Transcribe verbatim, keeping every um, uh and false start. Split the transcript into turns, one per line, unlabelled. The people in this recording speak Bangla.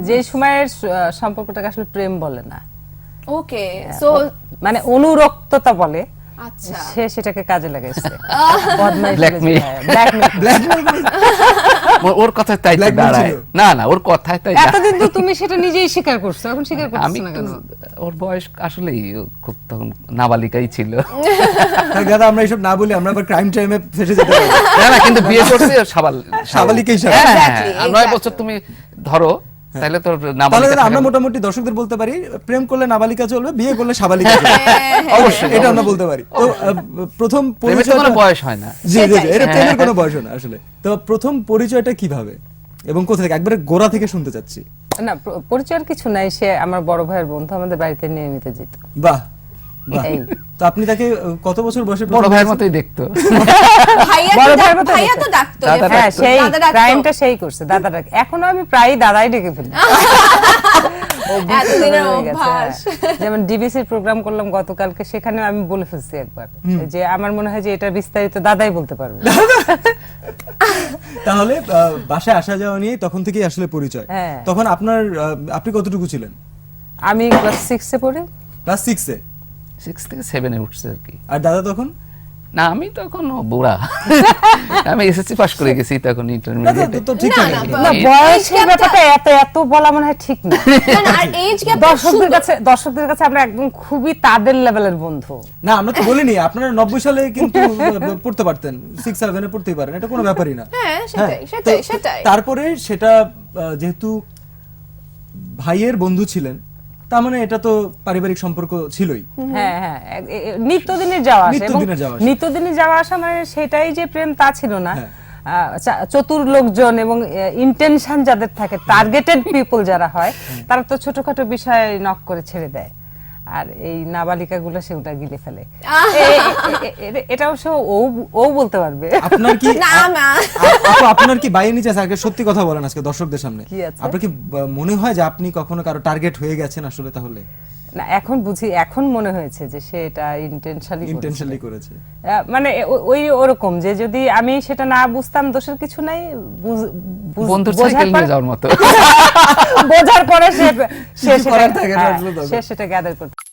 যে সময়ের আহ, সম্পর্কটাকে আসলে প্রেম বলে না,
ওকে সো
মানে অনুরক্ততা বলে।
আচ্ছা
সে সেটাকে কাজে লাগাইছে বদমাইশ
Blackmail.
ব্ল্যাকমেইল।
ওর- ওর কথায় তাই তো
Blackmail
দাঁড়ায়
ছিল।
না না ওর কথায় তাই দাঁড়ায়।
এতদিন তো তুমি সেটা নিজেই স্বীকার করছো, এখন স্বীকার
আমি
করছো না
তো
কেন?
ওর বয়স আসলেই খুব তখন নাবালিকাই ছিল।
তাই দাদা আমরা এইসব না বলি আমরা আবার ক্রাইম টাইমে ফেসে যেতে পারি।
না না কিন্তু বিয়ে করছে সাবাল
সাবালিকেই সাবাল।
হ্যাঁ, হ্যাঁ,
Exactly,
আর নয়
exactly.
বছর তুমি ধরো তাহলে তোর
তাহলে
নাবালিকা
দাদা আমরা
থাকা-
মোটামুটি দর্শকদের বলতে পারি প্রেম করলে নাবালিকা চলবে, বিয়ে করলে সাবালিকা চলবে।
অবশ্যই
এটা আমরা
অবশ্যই।
বলতে পারি। তো আহ, প্রথম
প্রেমের তো কোনো
পরিচয়টা-
বয়স হয় না।
জি জি জি,
সেটাই,
এটা
সেটাই।
প্রেমের কোনো বয়স হয় না আসলে। তো প্রথম পরিচয়টা কিভাবে এবং কোথা থেকে, একবারে গোড়া থেকে শুনতে চাচ্ছি।
না প- পরিচয়ের কিছু নাই, সে আমার বড় ভাইয়ের বন্ধু, আমাদের বাড়িতে নিয়মিত যেত।
বাহ বাহ।
এই।
তো আপনি তাকে আহ, কত বছর বয়সে
বড়
প্রথম
ভাইয়ের
দেখেছেন?
মতোই দেখতো।
ভাইয়া তো
বড়
ডাক-
ভাইয়ের মতো
ভাইয়া তো
দেখতে।
ডাকতো
দাদা
হ্যাঁ,
ডাকতো,
সেই
দাদা ডাকতো।
ক্রাইমটা সেই করছে, দাদা ডাকে। এখনো আমি প্রায় দাদাই ডেকে ফেলি। অভ্যস্ত
এতদিনের
হয়ে গেছে,
অভ্যাস।
হ্যাঁ। যেমন ডিবিসির প্রোগ্রাম করলাম গতকালকে, সেখানে আমি বলে ফেলছি একবার যে আমার মনে হয় যে এটা বিস্তারিত দাদাই বলতে পারবে।
তাহলে আহ, বাসায় আসা যাওয়া নিয়ে তখন থেকেই আসলে পরিচয়।
হ্যাঁ।
তখন আপনার আহ, আপনি কতটুকু ছিলেন?
আমি ক্লাস সিক্সে পড়ি।
ক্লাস সিক্সে।
সিক্স থেকে সেভেনে উঠছে আর কি।
আর দাদা তখন?
না আমি তখন বুড়া। আমি এসএসসি পাস করে গেছি তখন
দাদা
ইন্টারমিডিয়েটে।
তো- তো ঠিক
না,
থাকে।
না,
না,
এই-
বয়সের
age
ব্যাপারটা এত এত বলা মনে হয় ঠিক না।
না, না, আর এজ গ্যাপ
দর্শকদের কাছে দর্শকদের কাছে আমরা একদম খুবই তাদের লেভেলের বন্ধু।
না আমরা তো বলিনি, আপনারা নব্বই সালে কিন্তু পড়তে পারতেন, সিক্স সেভেনে পড়তেই পারেন, এটা কোনো ব্যাপারই না।
হ্যাঁ, সেটাই,
হ্যাঁ,
সেটাই,
তো-
সেটাই।
তারপরে সেটা আহ, যেহেতু ভাইয়ের বন্ধু ছিলেন, তার মানে এটা তো পারিবারিক সম্পর্ক ছিলই।
হ্যাঁ হ্যাঁ এ- এ- এ- নিত্যদিনের যাওয়া আসা, এবং
নিত্যদিনের যাওয়া আসা।
নিত্যদিনের যাওয়া আসা মানে সেটাই যে প্রেম তা ছিল না।
হ্যাঁ।
আহ, চা- চতুর লোকজন এবং ইন্টেনশন যাদের থাকে, টার্গেটেড পিপল যারা হয়, তারা তো ছোটখাটো বিষয় নক করে ছেড়ে দেয়, আর এই নাবালিকা গুলো সেগুলা গিলে ফেলে। এ- এ- এ- এ- এটা অবশ্য ও ও বলতে পারবে।
আপনার কি
না, না।
আ- আপু, আপনার কি বাইরে নিচে আছে? আগে সত্যি কথা বলেন আজকে দর্শকদের সামনে।
কি আছে?
আপনার কি আহ, মনে হয় যে আপনি কখনো কারো টার্গেট হয়ে গেছেন আসলে? তাহলে
না, এখন বুঝি, এখন মনে হয়েছে যে সে এটা ইন্টেনশনালি
ইন্টেনশনালি করেছে।
মানে ও- ওই ওরকম যে যদি আমি সেটা না বুঝতাম দোষের কিছু নাই, বুঝ- বুঝ-
বন্ধুর
বোঝার
সাইকেল নিয়ে
পরে-
যাওয়ার মতো।
বোঝার পরে সে সে
কিছু
সেটা
করার থাকে না
হ্যাঁ,
আসলে তখন।
সে সেটা গ্যাদার করতে